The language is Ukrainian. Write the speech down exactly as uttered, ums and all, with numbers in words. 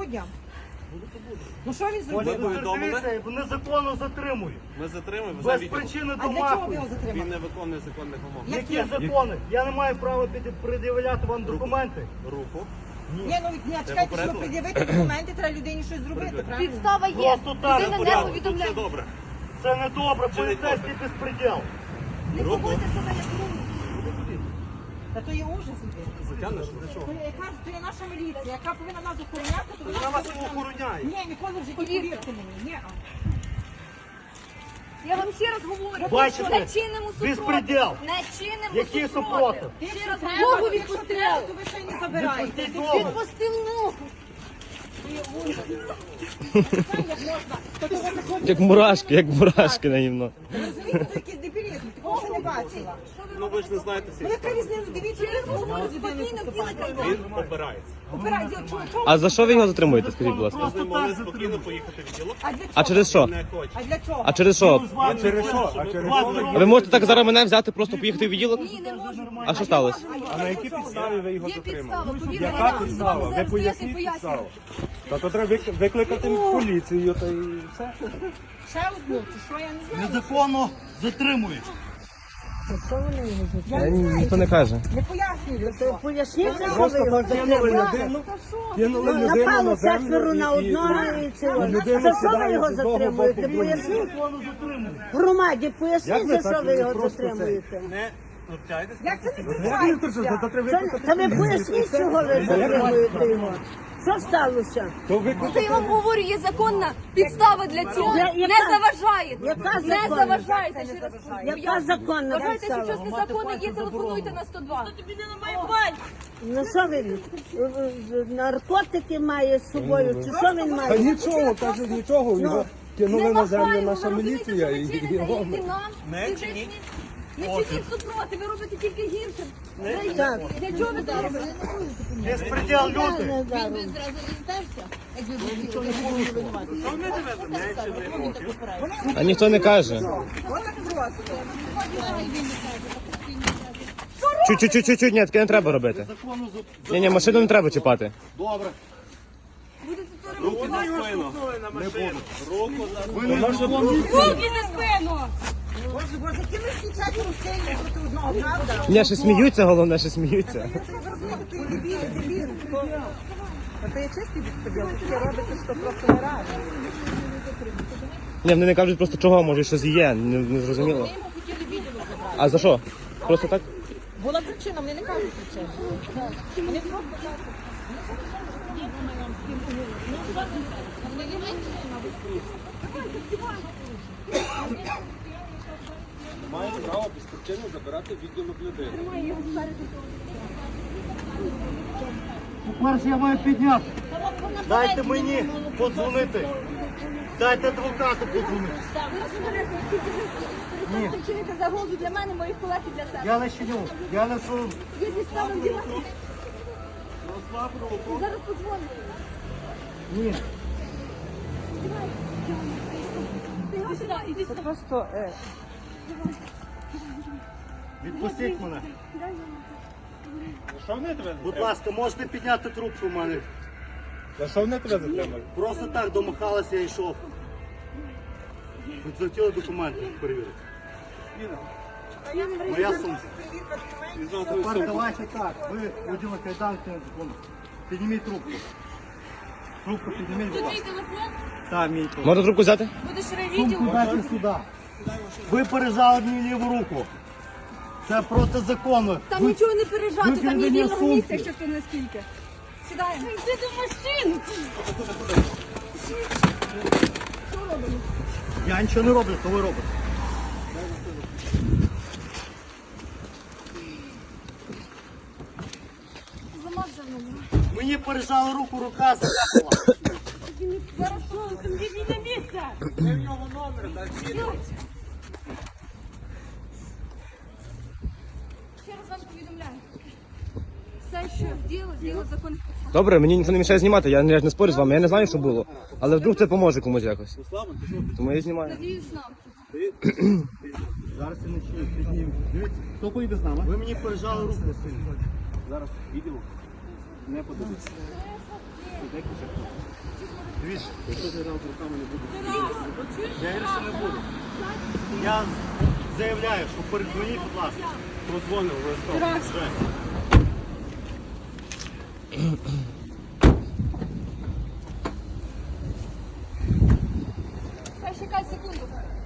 дня. Ну що він зробив? Ви повідомили? Незаконно затримують. Ми затримуємо. Без причини А для чого ви його домахують. Він затримали? не виконує законних вимог. Які закони? Я не маю права піти пред'являти вам документи. Руку. Ні, ну ні, чекайте, щоб пред'явити документи, треба людині щось зробити, правильно? Підстава є. Просто так, Людина не Порядку, тут повідомляє. все добре. Це не добре, Чи не поліцейський безпреділ. Не Руку. поводьте себе як руку. Та то є ужас. Затягнеш? Для чого? То є, яка ж- то є наша міліція, яка повинна нас охороняти, то Вона вас охороняє. Ні, ніколи в житті, повірте мені. Ні. Я вам ще раз говорю, Бачите? не чинимо супротив. Безпреділ. Не чинимо Який супротив. супротив? Ще раз Треба, ногу якщо відпустив. треба, то ви ще й не забираєте. Відпустіть ногу. Відпустив ногу. Як мурашки, як мурашки наївно. Розумієте, то якийсь дебілізм, такого ще не бачила. Ну ви ж не знаєте Ну всі. яка різниця, дивіться, ви розмовляєте з людиною Спокійно поступаєте. вділи Він обирається. Операція, чого- чого- А за що ви його затримуєте, скажіть, будь ласка? Ми з ним могли спокійно поїхати в діло. А для чого? А через що? Не хоче. А для чого? А через що? А через що? А через А ви можете так зараз мене взяти, просто поїхати в відділок? Ні, не можу. А що сталося? А на якій підставі ви його затримали? Є підстава, повірте, я Яка можу з підстава? вами Ви зараз стояти і поясніть пояснювати. підставу. Та то треба вик- викликати поліцію, та і все. Ще одну, чи що, я не знаю. Незаконно затримують. Е, ні- Ніхто не каже. Не пояснюю. Поясніть, що Просто ви його кинули затримали. людину, кинули людину на Напало землю четверо на і- одного і цього. людина За що ви сідає його з одного затримуєте? боку в другий. Поясніть. Незаконно затримують. Громаді, Як поясніть, ви за що так, ви ви його просто затримуєте. Не торкайтесь. Як це не Як він тут, відбувається? то треба Це- викликати Та ви поліцію. поясніть, чого ви затримуєте його. Що сталося? То Та викликати я вам говорю, є законна підстава для цього. Я- Не яка? заважаєте. Яка Не законна? заважаєте. ще раз Яка законна Вважаєте, що підстава? щось незаконне є, телефонуйте на сто два. Ну що він? е, е, Наркотики має з собою, чи що він Та має? нічого, каже, нічого, його кинули Не на землю махаємо, наша ви розумієте, міліція що і ви чините, його. і нам, Не фізичні. чиніть. Не чиніть супроти, ви робите тільки гірше. Так. Для чого ви це робите? Безпреділ люди. Не даром. А ніхто не каже. Чуть-чуть-чуть, ні, таке не треба робити. Законно за- Ні, ні, машину не треба чіпати. Добре. Руки за спину. Не буду. Руку за спину. Ви незаконно Руки за спину! Боже, боже, які ви всі четверо сильні проти одного, правда? Ні, ще сміються, головне, ще сміються. Я це розумію, то є дебіл, дебіл. А то є чистий безпреділ, таке робиться, що просто не раді. Ні, вони не кажуть просто чого, може щось є, не, не зрозуміло. А за що? Просто так? Була причина, вони не кажуть причину. Вони просто кажуть. Маємо право без причини забирати відділок людини. По-перше, я маю підняти. Дайте мені подзвонити. Дайте адвокату подзвонити. Ви чините загрозу для мене, моїх колег і для себе. Я не чиню. Я не су. Є підстава вдівати. Зараз подзвоню. Ні. Ти його сюди, іди сюди. Просто, е, Відпустіть мене. За що вони тебе Будь ласка, можете підняти трубку в мене. За що вони тебе затримали? Просто так домахалася, я йшов. Ви захотіли документи перевірити. Моя сумка. Тепер давайте так. Ви воділи кайданки на закону. Підніміть трубку. Трубку підніміть, будь ласка. телефон? Так, мій телефон. Можна трубку взяти? Будеш Сумку ревідіо? дайте сюди. Ви пережали мені ліву руку. Це протизаконно. Там Ви- нічого не пережати, там є викрадення вільного сумки. місця, якщо ти наскільки. Сідаємо. Йди до машини. Я нічого не роблю, то ви робите. Замах за мною. Мені пережали руку, рука закапала. Зараз просто йди на місце. Ще раз вам повідомляю. Все, що діло, діло законних підстав. Добре, мені ніхто не мішає знімати, я, я ж не спорю з вами, я не знаю, що було. Але вдруг це поможе комусь якось. Тому я знімаю. Надіюсь нам. Зараз я не чую, підніму. Дивіться, хто поїде з нами? Ви мені пережали руку сильно. Зараз відділок не подивиться. Дивіться, я гірше не буду. Я заявляю, що передзвоніть, будь ласка. Подзвонив, обов'язково. Хай чекай секунду.